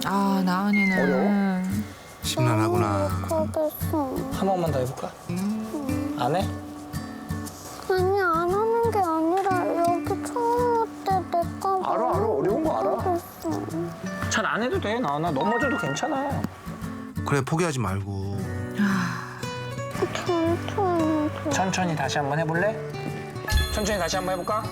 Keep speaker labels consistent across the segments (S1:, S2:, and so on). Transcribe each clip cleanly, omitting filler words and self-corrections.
S1: 아, 나은이는.
S2: 어려워?
S3: 심란하구나.
S4: 못하겠어.
S2: 한 번만 더 해볼까? 안 해?
S4: 아니 안 하는 게 아니라 여기 처음 올 때 내가
S2: 알아, 어려운 거 알아.
S4: 못하겠어.
S2: 잘 안 해도 돼. 나 넘어져도 괜찮아.
S3: 그래 포기하지 말고.
S4: 천천히.
S2: 천천히 다시 한번 해볼래? 천천히 다시 한번 해볼까?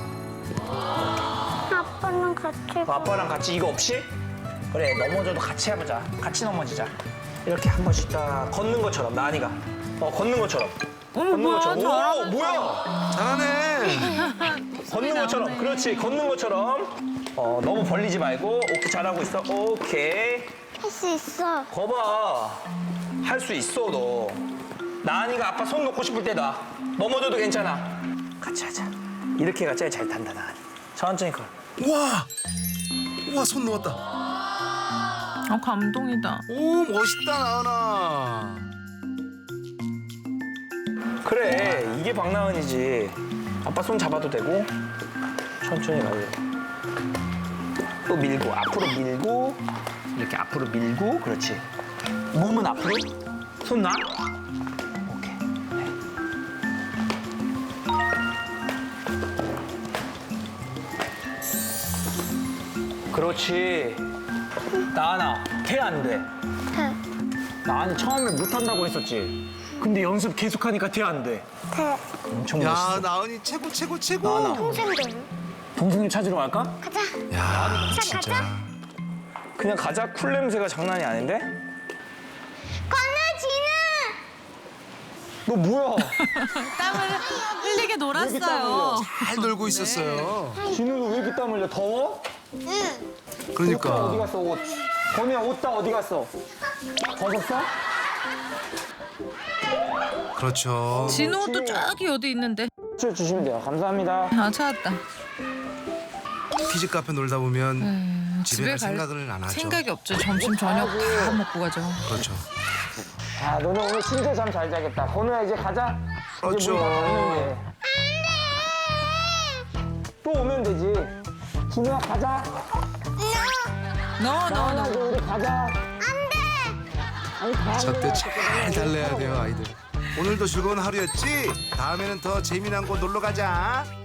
S4: 아빠랑 같이.
S2: 아빠랑 같이 이거 없이? 그래, 넘어져도 같이 해보자. 같이 넘어지자. 이렇게 한 번씩 딱 걷는 것처럼, 나은이가. 걷는 것처럼. 걷는
S1: 뭐야,
S2: 것처럼. 오,
S1: 잘하면서.
S2: 뭐야?
S3: 잘하네.
S2: 걷는 것처럼. 그렇지, 걷는 것처럼. 너무 벌리지 말고. 오케이, 잘하고 있어. 오케이.
S4: 할 수 있어.
S2: 거봐. 할 수 있어, 너. 나은이가 아빠 손 놓고 싶을 때 놔. 넘어져도 괜찮아. 같이 하자. 이렇게가 제일 잘 탄다, 나은이. 천천히 걸.
S3: 우와. 우와 손 놓았다.
S1: 감동이다.
S3: 오 멋있다 나은아.
S2: 그래, 이게 박나은이지. 아빠 손 잡아도 되고. 천천히 가요. 또 밀고, 앞으로 밀고. 이렇게 앞으로 밀고, 그렇지. 몸은 앞으로. 손 놔. 오케이. 네. 그렇지. 나은아, 태 안 돼.
S4: 돼.
S2: 나은이 처음에 못한다고 했었지. 근데 연습 계속하니까 태 안 돼.
S4: 돼.
S2: 엄청
S3: 야
S2: 멋있어.
S3: 나은이 최고 최고 최고.
S2: 나은아.
S4: 동생들.
S2: 동생님 찾으러 갈까?
S4: 가자.
S3: 야
S4: 자,
S3: 진짜.
S4: 가자.
S2: 그냥 가자. 쿨 냄새가 장난이 아닌데?
S4: 건우진우.
S2: 너 뭐야?
S1: 땀을 흘리게
S2: 땀
S1: 놀았어요.
S2: 흘려?
S3: 잘 놀고 있었어요.
S2: 진우도 왜 이렇게 땀 흘려? 더워?
S4: 응.
S2: 옷 어디
S3: 그러니까.
S2: 갔어, 옷? 건우야, 옷 다 어디 갔어? 벗었어?
S3: 그렇죠.
S1: 진호도 저기 어디 있는데.
S2: 주시면 돼요. 감사합니다.
S1: 아, 찾았다.
S3: 키즈 카페 놀다 보면 집에 갈 생각을 안 하죠.
S1: 생각이 없죠. 점심, 저녁 다 먹고 가죠.
S3: 그렇죠.
S2: 아, 너네 오늘 진짜 잠 잘 자겠다. 건우야, 이제 가자.
S3: 그렇죠.
S2: 이제 문다 닫는 게. 또 오면 되지. 진우야, 가자. 나은아, 이제 우리 가자. 아니, 가.
S3: 저때 잘 달래야 돼요 아이들. 오늘도 즐거운 하루였지? 다음에는 더 재미난 곳 놀러 가자.